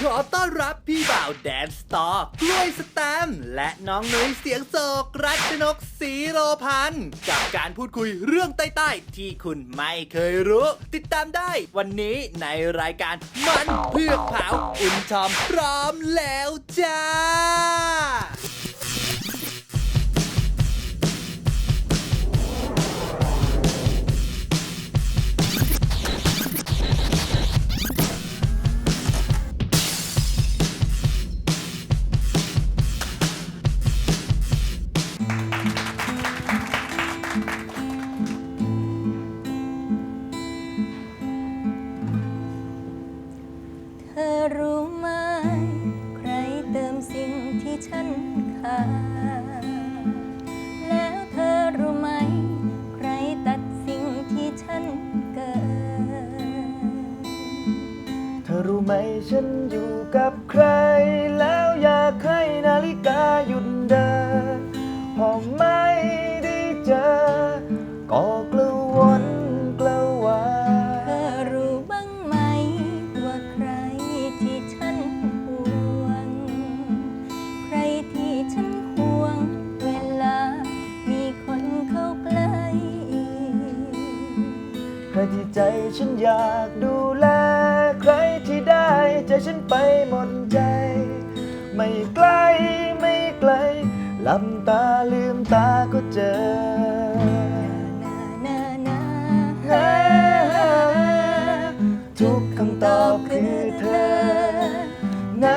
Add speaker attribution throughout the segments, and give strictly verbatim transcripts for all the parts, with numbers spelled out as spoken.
Speaker 1: ขอต้อนรับพี่บ่าวแดนสตอร์กล้วยสแตมป์และน้องนุ้ยเสียงโศกรัชนกศรีโรพันธ์กับการพูดคุยเรื่องใต้ๆที่คุณไม่เคยรู้ ติดตามได้วันนี้ในรายการมันเพือกเผาอุ่นชอมพร้อมแล้วจ้า
Speaker 2: เธอรู้ไหมใครเติมสิ่งที่ฉันขาดแล้วเธอรู้ไหมใครตัดสิ่งที่ฉันเกิด
Speaker 3: เธอรู้ไหมฉันอยู่กับใครแล้วอยากให้นาฬิกาหยุดเดินพอไม่ได้เจอก็กระวนกระวาย
Speaker 2: เธอรู้บ้างไหมว่าใครที่ฉันห่วงใครที่ฉันห่วงเวลามีคนเข้าใกล้
Speaker 3: ใครที่ใจฉันอยากดูแลใครที่ได้ใจฉันไปหมดใจไม่ไกลไม่ไกลหลับตาลืมตาก็เจอทุกคำตอบคือเธอนะ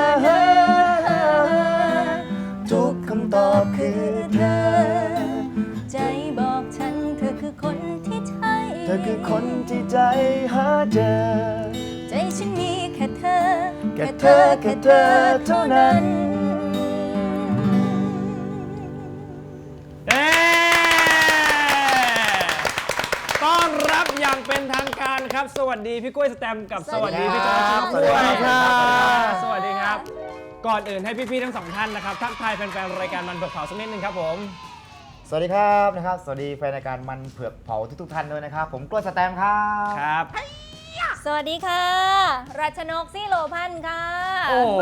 Speaker 3: ทุกคำตอบคือเธอ
Speaker 2: ใจบอกฉันเธอคือคนที่ใช่
Speaker 3: เธอคือคนที่ใจหาเจอ
Speaker 2: ใจฉันมีแค่เธอ
Speaker 3: แค่เธอแค่เธอเท่านั้น
Speaker 4: ต้อนรับอย่างเป็นทางการครับสวัสดีพี่กล้วยสแตมป์กับสวัสดีพี่จอยชิน
Speaker 3: สวัสดีครับ
Speaker 4: สวัสดีครับก่อนอื่นให้พี่ๆทั้งสองท่านนะครับทักทายแฟนๆรายการมันเผือกเผาสักนิดนึงครับผม
Speaker 3: สวัสดีครับนะครับสวัสดีแฟนรายการมันเผือกเผาทุกๆท่านด้วยนะครับผมกล้วยสแตมป์ครับ
Speaker 4: ครับ
Speaker 2: สวัสดีค่ะรัชนกศรีโรพันธ์ค่ะ
Speaker 4: โอ้โห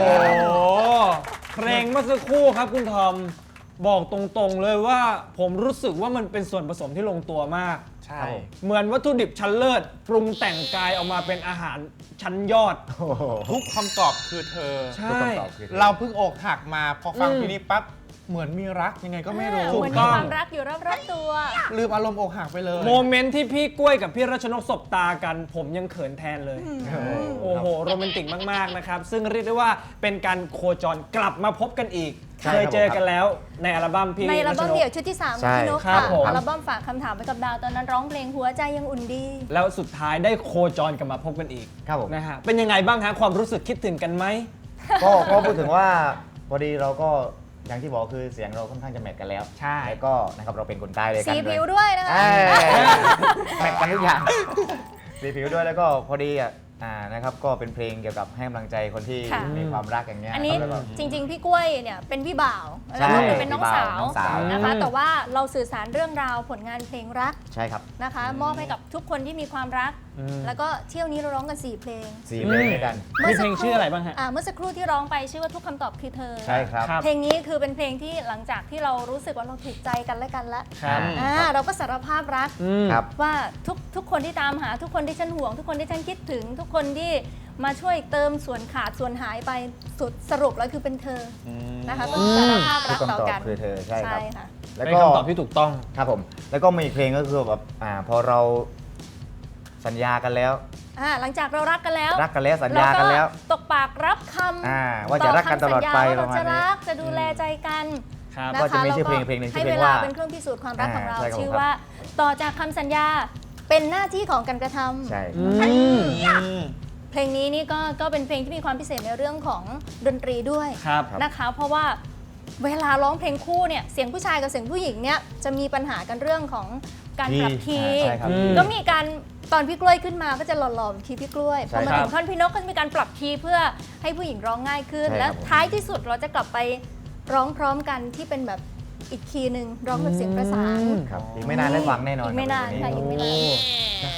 Speaker 4: เพลงเมื่อสักครู่ครับคุณทอมบอกตรงๆเลยว่าผมรู้สึกว่ามันเป็นส่วนผสมที่ลงตัวมาก
Speaker 3: ใช่
Speaker 4: เหมือนวัตถุดิบชั้นเลิศปรุงแต่งกายออกมาเป็นอาหารชั้นยอด
Speaker 5: ทุกคำตอบคือเธอ
Speaker 4: ใช่
Speaker 5: เราเพิ่งอกหักมาพอฟังทีนี้ปั๊บเหมือนมีรักยังไงก็ไม่รู้
Speaker 2: เหมือนมีความรักอยู่รอบๆตัว
Speaker 5: ลืมอารมณ์อกหักไปเลย
Speaker 4: โมเมนต์ที่พี่กล้วยกับพี่รัชนกสบตากัน ผมยังเขินแทนเลยโอ้โหโรแมนติกมากๆนะครับซึ่งเรียกได้ว่าเป็นการโคจรกลับมาพบกันอีกเคยเจอกันแล้วในอัลบั้มพี่
Speaker 2: ในอัลบั้มเดี่ยวชุดที่สามของพี่นกค่ะอัลบั้มฝากคำถามไปกับดาวตอนนั้นร้องเพลงหัวใจยังอุ่นดี
Speaker 4: แล้วสุดท้ายได้โคจรกลับมาพบกันอีก
Speaker 3: ครับผม
Speaker 4: นะฮะเป็นยังไงบ้างฮะความรู้สึกคิดถึงกันไหม
Speaker 3: ก็ก็พูดถึงว่าพอดีเราก็อย่างที่บอกคือเสียงเราค่อนข้างจะแมทกันแล้ว
Speaker 4: ใช่
Speaker 3: แล้วก็นะครับเราเป็นคนใต้เลยกัน
Speaker 2: สีผิวด้วยนะคะ
Speaker 3: แมทกันทุกอย่างสีผิวด้วยแล้วก็พอดีอ่ะอ่านะครับก็เป็นเพลงเกี่ยวกับให้กำลังใจคนที่มีความรักอย่างเงี้ย
Speaker 2: อันนี้จริงๆพี่กล้วยเนี่ยเป็นพี่บ่าวแล้วก็เป็นน้องสาวนะคะแต่ว่าเราสื่อสารเรื่องราวผลงานเพลงรัก
Speaker 3: ใช่ครับ
Speaker 2: นะคะมอบให้กับทุกคนที่มีความรักแล้วก็เที่ยวนี้เราร้องกันสี่เพลง
Speaker 3: สี่เพลงด้วยกัน
Speaker 4: มีเพลงชื่ออะไรบ้างฮะ
Speaker 2: เมื่อสักครู่ที่ร้องไปชื่อว่าทุกคำตอบคือเธอ
Speaker 3: ใช่ครับ
Speaker 2: เพลงนี้คือเป็นเพลงที่หลังจากที่เรารู้สึกว่าเราถูกใจกันและกันแล้วเราก็สารภาพรักว่าทุกทุกคนที่ตามหาทุกคนที่ฉันห่วงทุกคนที่ฉันคิดถึงทุกคนที่มาช่วยเติมส่วนขาดส่วนหายไปสุดสรุปแล้วคือเป็นเธอนะคะก็สารภาพรักต่อกัน
Speaker 3: คือเธอใช่ครับ
Speaker 4: แล้วก็คำตอบที่ถูกต้อง
Speaker 3: ครับผมแล้วก็มีอีกเพลงก็คือแบบอ่าพอเราสัญญากันแล้ว
Speaker 2: หลังจากเรารักกันแล้ว
Speaker 3: รักกันแล้วสัญญากันแล้ว
Speaker 2: ตกปากรับค
Speaker 3: ำว่าจะรักกันตลอดไป
Speaker 2: เราจะรักจะดูแลใจกัน
Speaker 3: ก็จะมีชื่อเพลงเพลงหนึ่ง
Speaker 2: ให้เวลาเป็นเครื่องพิสูจน์ความรักของเราชื่อว่าต่อจากคำสัญญาเป็นหน้าที่ของการกระทำ
Speaker 3: ใช่
Speaker 2: เพลงนี้นี่ก็ก็เป็นเพลงที่มีความพิเศษในเรื่องของดนตรีด้วยนะคะเพราะว่าเวลาร้องเพลงคู่เนี่ยเสียงผู้ชายกับเสียงผู้หญิงเนี่ยจะมีปัญหากันเรื่องของการปรับคีย์ก็มีการตอนพี่กล้วยขึ้นมาก็จะหล่อๆคีย์พี่กล้วยพอมาถึงท่อนพี่นกก็จะมีการปรับคีย์เพื่อให้ผู้หญิงร้องง่ายขึ้นและท้ายที่สุดเราจะกลับไปร้องพร้อมกันที่เป็นแบบอีกคีย์หนึ่งร้องแบบเสียงประสาน
Speaker 3: อีกไม่นานได้ฟังแน่นอน
Speaker 2: อีกไม่นานค่ะอีกไม่นาน
Speaker 4: นะครับ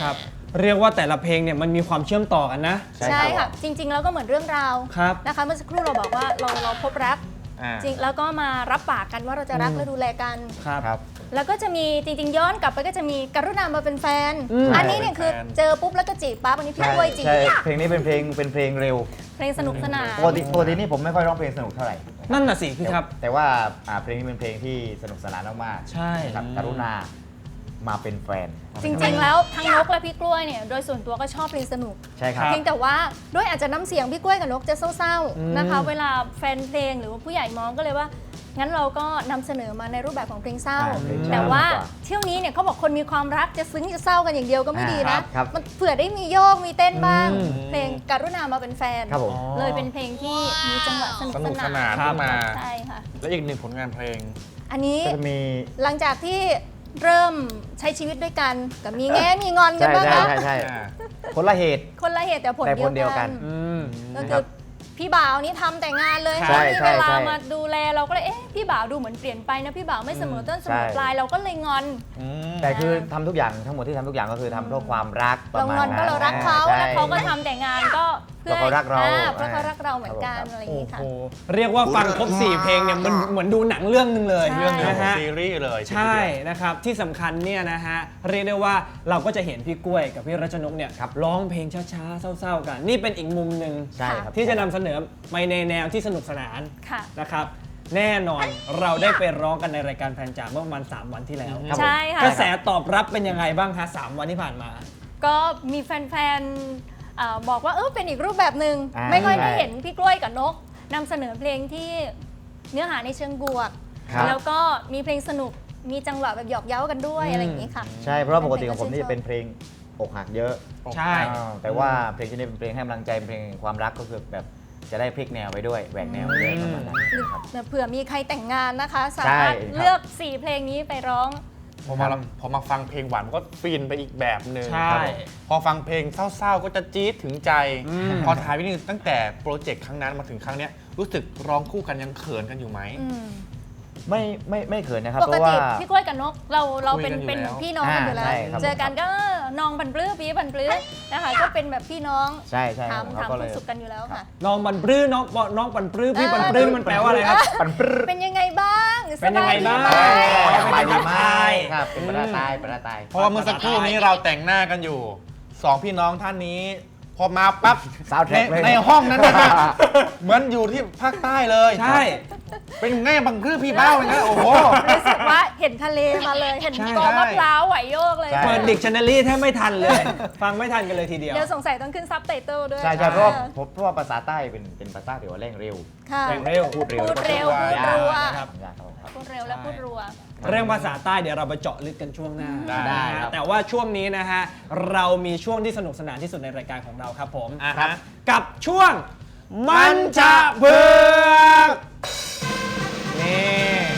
Speaker 4: เรียกว่าแต่ละเพลงเนี่ยมันมีความเชื่อมต่อกันนะ
Speaker 3: ใช่
Speaker 2: ใช่
Speaker 3: ครั
Speaker 2: ค่ะ
Speaker 3: บ
Speaker 2: จริง ๆ แล้วก็เหมือนเรื่องราว
Speaker 4: ครับ
Speaker 2: นะคะเมื่อสักครู่เราบอกว่าเราเราพบรัก
Speaker 5: อ่า
Speaker 2: จริงแล้วก็มารับปากกันว่าเราจะรักและดูแลกัน
Speaker 4: ครับ
Speaker 3: ครับ
Speaker 2: แล้วก็จะมีจริง ๆ ย้อนกลับไปก็จะมีกรุณามาเป็นแฟน
Speaker 4: อืม
Speaker 2: อันนี้เนี่ยคือ
Speaker 5: เป็นแฟน
Speaker 2: เจอปุ๊บแล้วก็จีบปั๊บอันนี้พี่
Speaker 3: ใช่
Speaker 2: กล้วยจีบ
Speaker 3: ใช่เพลงนี้เป็นเพลงเป็นเพลงเร็ว
Speaker 2: เพลงสนุกสนาน
Speaker 3: ปกติปกตินี่ผมไม่ค่อยร้องเพลงสนุกเท่าไหร่
Speaker 4: นั่นน่ะสิพี่ครับ
Speaker 3: แต่ว่าอ่าเพลงนี้เป็นเพลงที่สนุกสนานมากๆ
Speaker 4: ใช่
Speaker 3: ครับกรุณามาเป็นแฟน
Speaker 2: จริง ๆ แล้วทั้งนกและพี่กล้วยเนี่ยโดยส่วนตัวก็ชอบเพลงสนุก
Speaker 3: ใช่ครับ
Speaker 2: เพียงแต่ว่าด้วยอาจจะน้ำเสียงพี่กล้วยกับนกจะเศร้า
Speaker 4: อืม
Speaker 2: ๆนะคะ เวลาแฟนเพลงหรือว่าผู้ใหญ่มองก็เลยว่า งั้นเราก็นำเสนอมาในรูปแบบของเพลงเศร้า
Speaker 3: อ่าเพลงเศร้า
Speaker 2: แต่ว่า
Speaker 3: ดีกว่า
Speaker 2: เที่ยวนี้เนี่ยเขาบอกคนมีความรักจะซึ้งจะเศร้ากันอย่างเดียวก็ไม่ดี
Speaker 3: ครั
Speaker 2: นะ
Speaker 3: บครับ
Speaker 2: มันเผื่อได้มีโยกมีเต้นบ้าง
Speaker 4: อืม
Speaker 2: เพลงกรุณามาเป็นแฟน
Speaker 3: ครับผม
Speaker 2: เลยเป็นเพลงที่มีจังหวะสนุก
Speaker 5: ส
Speaker 2: ส
Speaker 5: นุกส
Speaker 2: นาน
Speaker 5: าน
Speaker 4: ครับ
Speaker 5: ขึ้นมา
Speaker 2: ใช่ค่ะ
Speaker 5: และอีกหนึ่งผลงานเพลง
Speaker 2: อันนี้
Speaker 3: ก็จะมี
Speaker 2: หลังจากที่เริ่มใช้ชีวิตด้วยกันกับมีแง่มีงอนกัน
Speaker 3: ใช่
Speaker 2: บ้าง
Speaker 3: ใช่
Speaker 2: นะ
Speaker 3: ใช่ใช่
Speaker 5: อ่า
Speaker 3: คนละเหตุ
Speaker 2: คนละเหตุแต่ผล
Speaker 3: แต่ผลเดี
Speaker 2: เดี
Speaker 3: ย
Speaker 2: ยว ว
Speaker 3: กั
Speaker 2: กัน น
Speaker 4: อืม
Speaker 2: ก็คือพี่บ่าวนี่ทำแต่งานเลย
Speaker 3: ใช่
Speaker 2: ไม่มี
Speaker 3: ใช่
Speaker 2: เวลา
Speaker 3: ใช่
Speaker 2: มาดูแลเราก็เลยเอ๊ะพี่บ่าวดูเหมือนเปลี่ยนไปนะพี่บ่าวไม่เสมอต้นเสมอ
Speaker 3: ใช่
Speaker 2: ปลายเราก็เลยงอน
Speaker 5: อืม
Speaker 3: แต่คือทำทุกอย่างทั้งหมดที่ทำทุกอย่างก็คือทำเพราะความรักประ
Speaker 2: เรา
Speaker 3: มาณ
Speaker 2: งอนก็
Speaker 3: นั้น
Speaker 2: เรารักเขา
Speaker 3: ใช่
Speaker 2: แล้วเขาก็ทำแต่งานก็เพื่อ
Speaker 3: เพราะเขารักเรา
Speaker 2: อ่เพราะเขารักเราเหมือนกัน
Speaker 3: ครับผม
Speaker 2: อะไรอย่าง
Speaker 4: โอ้
Speaker 2: นี้ค่ะ
Speaker 4: โหเรียกว่าฟังครบสี่เพลงเนี่ยมันเหมือนดูหนังเรื่องหนึงเลย
Speaker 2: ใช่
Speaker 5: เรื่องหนึง
Speaker 4: นะ
Speaker 5: ของ
Speaker 4: ฮะ
Speaker 5: ซีรีส์เลย
Speaker 4: ใช่นะครับที่สำคัญเนี่ยนะฮะเรียกได้ว่าเราก็จะเห็นพี่กล้วยกับพี่รัชนกเนี่ย
Speaker 3: ครับ
Speaker 4: ร้องเพลงช้าๆเศร้าๆกัน นี่เป็นอีกมุมหนึ่ง
Speaker 3: ใช่ครับ
Speaker 4: ที่จะนำเสนอไปในแนวที่สนุกสนาน
Speaker 2: ค่ะ
Speaker 4: นะครับแน่นอนเราได้ไปร้องกันในรายการแฟนจ๋าเมื่อประมาณสามวันที่แล้ว
Speaker 3: ครับผม
Speaker 2: ใช่ค่ะ
Speaker 4: กระแสตอบรับเป็นยังไงบ้างคะสามวันที่ผ่านมา
Speaker 2: ก็มีแฟนๆเอ่อบอกว่าเออเป็นอีกรูปแบบหนึ่ง
Speaker 3: อ่า
Speaker 2: ไม่ค่อยได้
Speaker 3: ใช่
Speaker 2: เห็นพี่กล้วยกับนกนำเสนอเพลงที่เนื้อหาในเชิงบวก
Speaker 3: ครับ
Speaker 2: แล้วก็มีเพลงสนุกมีจังหวะแบบหยอกเย้ากันด้วย
Speaker 4: อืม
Speaker 2: อะไรอย่างนี้ค่ะ
Speaker 3: ใช่เพราะว่าปกติของผมนี่จะเป็นเพลงอกหักเยอะ
Speaker 4: ใช่
Speaker 3: อ่าแต่ว่าเพลงที่นี่เป็นเพลงให้กำลังใจเป็นเพลงแห่งความรักก็คือแบบจะได้พลิกแนวไปด้วยแหวกแนวไปด้วยประมาณนั้นครับ
Speaker 2: เผื่อมีใครแต่งงานนะคะ สามารถ
Speaker 3: ใช่ครับ
Speaker 2: เลือก สี่ เพลงนี้ไปร้อง
Speaker 5: พอมาพอมาฟังเพลงหวานมันก็ฟินไปอีกแบบหนึ่ง
Speaker 4: ใช่
Speaker 5: ครับผมพอฟังเพลงเศร้าๆ ก็จะจี๊ดถึงใจ
Speaker 4: อืม
Speaker 5: พอถ่ายวิดีโอตั้งแต่โปรเจกต์ครั้งนั้นมาถึงครั้งเนี้ยรู้สึกร้องคู่กันยังเขินกันอยู่ไหม
Speaker 2: อืม
Speaker 3: ไม่ไม่ไม่เขินนะครับ
Speaker 2: ป
Speaker 3: เพ
Speaker 2: ก
Speaker 3: ราะ
Speaker 2: ติ
Speaker 3: ว่า
Speaker 2: พี่กล้วยกับนกเราเราเป็น
Speaker 5: คุยกันอยู่
Speaker 2: เป็น
Speaker 5: แล้ว
Speaker 2: พี่น้องกันอยู่แล้ว
Speaker 3: อ่าใช่ครับ
Speaker 2: เจอกันก็เออนองบันปลื้อปีบันปลื้อนะคะก็เป็นแบบพี่น้อง
Speaker 3: ใช่ใช่ค
Speaker 2: ถา
Speaker 3: รับ
Speaker 2: ม
Speaker 3: ผม
Speaker 2: ถาม
Speaker 3: เขาก็เล
Speaker 2: คุ
Speaker 3: ย
Speaker 2: ณสุขกันอยู่แล้วค่ะ
Speaker 4: น้องบันปลื้อน้องน้องบันปลื้อพี่บันปลื้อมันแปลว่าอะไรครับ
Speaker 3: ปันปรึ๊ด
Speaker 2: เป็นยังไงบ้าง
Speaker 4: เป็นยังไงบ้าง
Speaker 2: สบยดีไหม
Speaker 3: สบายดีไหม
Speaker 4: ใช่
Speaker 3: ครับเป็นประตายประตาย
Speaker 5: เพราะว่าเมื่อสักครู่นี้เราแต่งหน้ากันอยู่สองพี่น้องท่านนี้ พอมาปั๊บ
Speaker 3: ซาวด์แทร็ก
Speaker 5: ใน
Speaker 3: เลย
Speaker 5: ในห้องนั้นนะเหมือนอยู่ที่ภาคใต้เลย
Speaker 4: ใช่
Speaker 5: เป็นแง่บังคือพี่เบ้าเลยนะโอ้โห
Speaker 2: รู้สึกว่าเห็นทะเลมาเลย เห็น
Speaker 4: ใช่
Speaker 2: กอมะพร้าวไหวโยกเลย
Speaker 3: ใช่
Speaker 4: เปิดดิกชันนารีแทบไม่ทันเลย ฟังไม่ทันกันเลยทีเดียว
Speaker 2: เดี๋ยวสงสัยต้องขึ้นซับไตเติลด้วย
Speaker 3: ใช่ใช่เพราะว่าผมเพราะว่าภาษาใต้เป็นเป็นภาษาที่ว่าเร่งเร็ว
Speaker 2: ค่ะ
Speaker 4: แรงเร็ว
Speaker 3: พูดเร็ว
Speaker 2: พูดเร็ว
Speaker 3: แล้วก็
Speaker 2: พูดรัว
Speaker 3: ยากยากครับ
Speaker 2: พูดเร็วและพูดรัว
Speaker 4: เรื่องภาษาใต้เดี๋ยวเราไปเจาะลึกกันช่วงหน้า
Speaker 5: ได้
Speaker 4: นะฮะ
Speaker 3: ครับ
Speaker 4: แต่ว่าช่วงนี้นะฮะเรามีช่วงที่สนุกสนานที่สุดในรายการของเราครับผม
Speaker 5: อ่ะฮะ
Speaker 4: กับช่วงมันจะเบือกนี่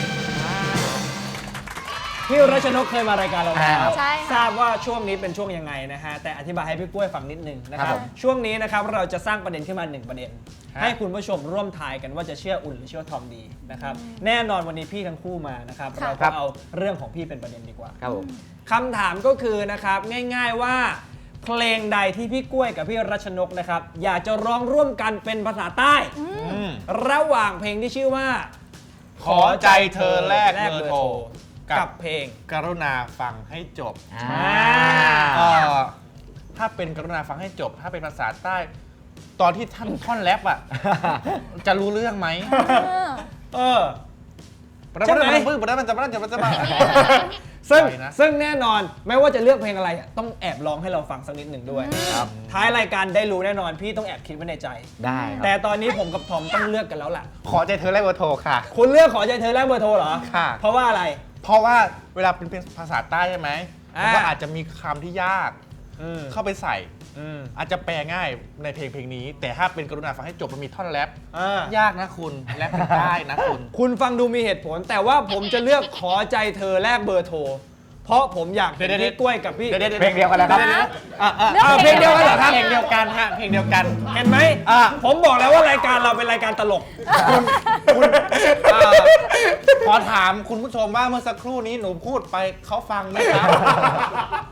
Speaker 4: พี่รัชนกเคยมารายการเราแล้ว
Speaker 2: ใช่ค่ะ
Speaker 4: ทราบว่าช่วงนี้เป็นช่วงยังไงนะฮะแต่อธิบายให้พี่กล้วยฟังนิดนึงนะค
Speaker 3: ครั
Speaker 4: รับบ
Speaker 3: ผม
Speaker 4: ช่วงนี้นะครับเราจะสร้างประเด็นขึ้นมาหนึ่งประเด็น
Speaker 5: ฮะ
Speaker 4: ให้คุณผู้ชมร่วมทายกันว่าจะเชื่ออุ่นหรือเชื่อทอมดีนะครับแน่นอนวันนี้พี่ทั้งคู่มานะครับ
Speaker 2: ค่ะ
Speaker 4: เราก็เอาเรื่องของพี่เป็นประเด็นดีกว่า
Speaker 3: ครับผม
Speaker 4: คำถามก็คือนะครับง่ายๆว่าเพลงใดที่พี่กล้วยกับพี่รัชนกนะครับอยากจะร้องร่วมกันเป็นภาษาใต้
Speaker 5: อืม
Speaker 4: ระหว่างเพลงที่ชื่อว่า
Speaker 5: ขอใจเธอแลกเบอร์โทร
Speaker 4: กั
Speaker 5: กั
Speaker 4: บบ เพลง
Speaker 5: กรุณาฟังให้จบ
Speaker 3: อ่า
Speaker 5: เอ่อถ้าเป็นกรุณาฟังให้จบ ถ้าเป็นภาษาใต้ ตอนที่ท่านท่อนแรปอ่ะ จะรู้เรื่องไหม
Speaker 2: เออ
Speaker 4: เออ
Speaker 5: ปะ
Speaker 4: ใช่ไหม
Speaker 5: ปะปะปะปะมันจะมันจะมันจะมันจะ
Speaker 4: ซึ่ง
Speaker 5: ใช่นะ
Speaker 4: ซึ่งแน่นอนไม่ว่าจะเลือกเพลงอะไรต้องแอบร้องให้เราฟังสักนิดหนึ่งด้วย
Speaker 3: ครับ
Speaker 4: ท้ายรายการได้รู้แน่นอนพี่ต้องแอบคิดไว้ในใจ
Speaker 3: ได้ครับ
Speaker 4: แต่ตอนนี้ผมกับทอมต้องเลือกกันแล้วล่ะ
Speaker 5: ขอใจเธอแลกเบอร์โทรค่ะ
Speaker 4: คุณเลือกขอใจเธอแลกเบอร์โทรเหรอ
Speaker 5: ค่ะ
Speaker 4: เพราะว่าอะไร
Speaker 5: เพราะว่าเวลาเป็นภาษาใต้ใช่ไหม
Speaker 4: อ่ามั
Speaker 5: มันก็อาจจะมีคำที่ยาก
Speaker 4: อืม
Speaker 5: เข้าไปใส่
Speaker 4: อืม
Speaker 5: อาจจะแปลง่ายในเพลงเพลงนี้ แต่ถ้าเป็นกรุณาฟังให้จบมันมีท่อนแรป
Speaker 4: อ่าย
Speaker 5: ากนะคุณแรปเป็นได้นะคุณ
Speaker 4: คุณฟังดูมีเหตุผล แต่ว่าผมจะเลือกขอใจเธอแลกเบอร์โทร เพราะผมอยากเห็น
Speaker 5: เดี๋ยวๆ
Speaker 4: พี่กล้วยกับพี่
Speaker 5: เดี๋ยวๆ
Speaker 3: เพลงเดียวกันแล้วครับ
Speaker 5: อ่ะอ่ะ
Speaker 2: เลือก
Speaker 4: อ้าวเพลงเดียวกันเหรอครับ
Speaker 5: เพลงเดียวกันฮะเพลงเดียวกัน
Speaker 4: เห็นไหม
Speaker 5: อ่ะ
Speaker 4: ผมบอกแล้วว่ารายการเราเป็นรายการตลก
Speaker 5: คุณเอ่อขอถามคุณผู้ชมว่าเมื่อสักครู่นี้หนูพูดไปเขาฟังไหมครับ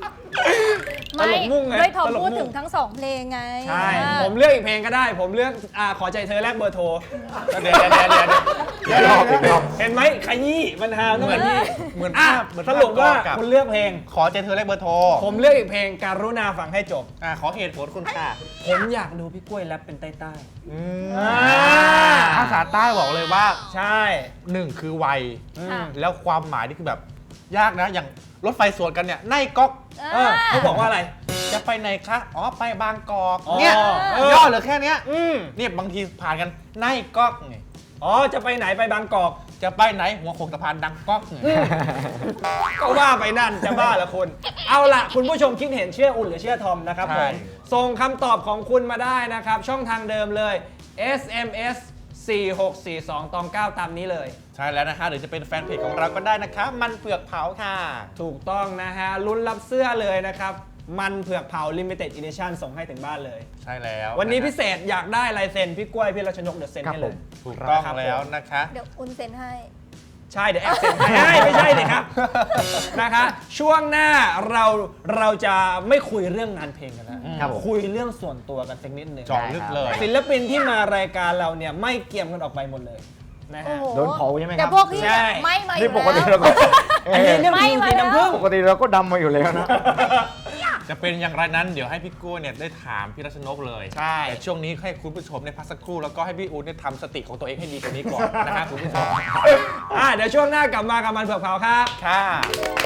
Speaker 2: ไม่
Speaker 4: ตลกมุ่งไง
Speaker 2: ด้วยทอม
Speaker 4: ตลกมุ่ง
Speaker 2: พูดถึงทั้งสองเพลงไง
Speaker 4: ใช่
Speaker 2: อ่า
Speaker 4: ผมเลือกอีกเพลงก็ได้ ผมเลือกอ่าขอใจเธอแลกเบอร์โทร
Speaker 5: เดี๋ยวเดี๋ยวเดี๋ยวเดี๋ยวเดี๋ยว
Speaker 3: อีกรอบอีกรอบ
Speaker 4: เห็นไหมขยี้มันหา
Speaker 5: เหมือน
Speaker 4: ขยี้
Speaker 5: เหมือน
Speaker 4: อ่ะ
Speaker 5: ภาพเหมือน
Speaker 4: ส
Speaker 5: ภาพ
Speaker 4: รุปว่า
Speaker 5: กับ
Speaker 4: คุณเลือกเพลง
Speaker 5: ขอใจเธอแลกเบอร์โทร
Speaker 4: ผมเลือกอีกเพลงการุณาฟังให้จบ
Speaker 5: อ่าขอเหตุผลคุณค่ะ
Speaker 4: ผมอยากดูพี่กล้วยแรปเป็นใต้ใต้
Speaker 5: อืม
Speaker 4: อ่า
Speaker 5: ภาษาใต้บอกเลยว่า
Speaker 4: ใช่
Speaker 5: หนึ่งคือวัย
Speaker 4: อืม
Speaker 2: ค่ะ
Speaker 5: แล้วความหมายนี่คือแบบยากนะ อย่างรถไฟสวนกันเนี่ยในก๊อก
Speaker 4: เออเขาบอกว่าอะไร
Speaker 5: จะไปไหนคะอ๋อไปบางกอก
Speaker 4: อ๋อ
Speaker 5: เนี่ย
Speaker 4: เออ
Speaker 5: ย่อเหลือแค่เนี้ย
Speaker 4: อืม
Speaker 5: เนี่ยบางทีผ่านกันในก๊อกไง
Speaker 4: อ๋อจะไปไหนไปบางกอก
Speaker 5: จะไปไหนหัวโขงสะพานดังก๊อกไง
Speaker 4: ก็ว่าไปนั่นจะบ้าละคุณ เอาล่ะ คุณผู้ชมคิดเห็นเชื่ออุ่นหรือเชื่อทอมนะครับผ
Speaker 5: ใช่
Speaker 4: มส่งคำตอบของคุณมาได้นะครับ ช่องทางเดิมเลย เอส เอ็ม เอส สี่หกสี่สอง ตอง เก้า ตามนี้เลย
Speaker 5: ใช่แล้วนะคะหรือจะเป็นแฟนเพจของเราก็ได้นะคะ มันเผือกเผาค่ะ
Speaker 4: ถูกต้องนะฮะลุ้นรับเสื้อเลยนะครับ มันเผือกเผา Limited Edition ส่งให้ถึงบ้านเลย
Speaker 5: ใช่แล้ว
Speaker 4: วันนี้
Speaker 5: ะคะ
Speaker 4: พิเศษอยากได้ลายเซ็นพี่กล้วยพี่รัชนกเดี๋ยวเซ็นให้เลย
Speaker 5: ถูกต้อง
Speaker 4: ครับ
Speaker 5: แล้ว
Speaker 4: ผม
Speaker 5: นะคะ
Speaker 2: เดี๋ยวอุ่นเซ็นให้
Speaker 4: ใช่เดี๋ยวแอบเซ็นให้ไม่ใช่เลยครับ นะคะช่วงหน้าเราเราจะไม่คุยเรื่องงานเพลงกันแล้ว
Speaker 3: ครับผม
Speaker 4: คุยเรื่องส่วนตัวกันสักนิดหนึ่ง
Speaker 5: เจาะลึกเลย
Speaker 4: ศิลปินที่มารายการเราเนี่ยไม่เกี่ยมกันออกไปหมดเลยนะ
Speaker 2: โอ้
Speaker 4: ฮะ
Speaker 2: โห
Speaker 3: โดนเผาใช่ไหมครับ
Speaker 2: แต่พวกพี่
Speaker 4: ใช่
Speaker 2: ไม่มาอ
Speaker 3: นี่
Speaker 2: ยู่
Speaker 3: ปกติ
Speaker 2: แล้
Speaker 3: เรา
Speaker 2: ว
Speaker 3: ก็
Speaker 4: อันนี้เรื่อง
Speaker 2: ไม่
Speaker 4: จริง
Speaker 2: มา
Speaker 4: สี
Speaker 2: แล้ว
Speaker 4: น้ำผึ้ง
Speaker 3: ปกติเราก็ดำมาอยู่แล้วนะ
Speaker 5: จะเป็นอย่างไรนั้นเดี๋ยวให้พี่กู้เนี่ยได้ถามพี่รัชนกเลย
Speaker 4: ใช่
Speaker 5: แต่ช่วงนี้ให้คุณผู้ชมในยพักสักครู่แล้วก็ให้พี่อู๊ดเนี่ยทำสติของตัวเองให้ดีกว่านี้ก่อนนะคะคุณผู้ชม
Speaker 4: อ่ะเดี๋ยวช่วงหน้ากลับมากับมันเผือกเผาครับ
Speaker 5: ค่ะ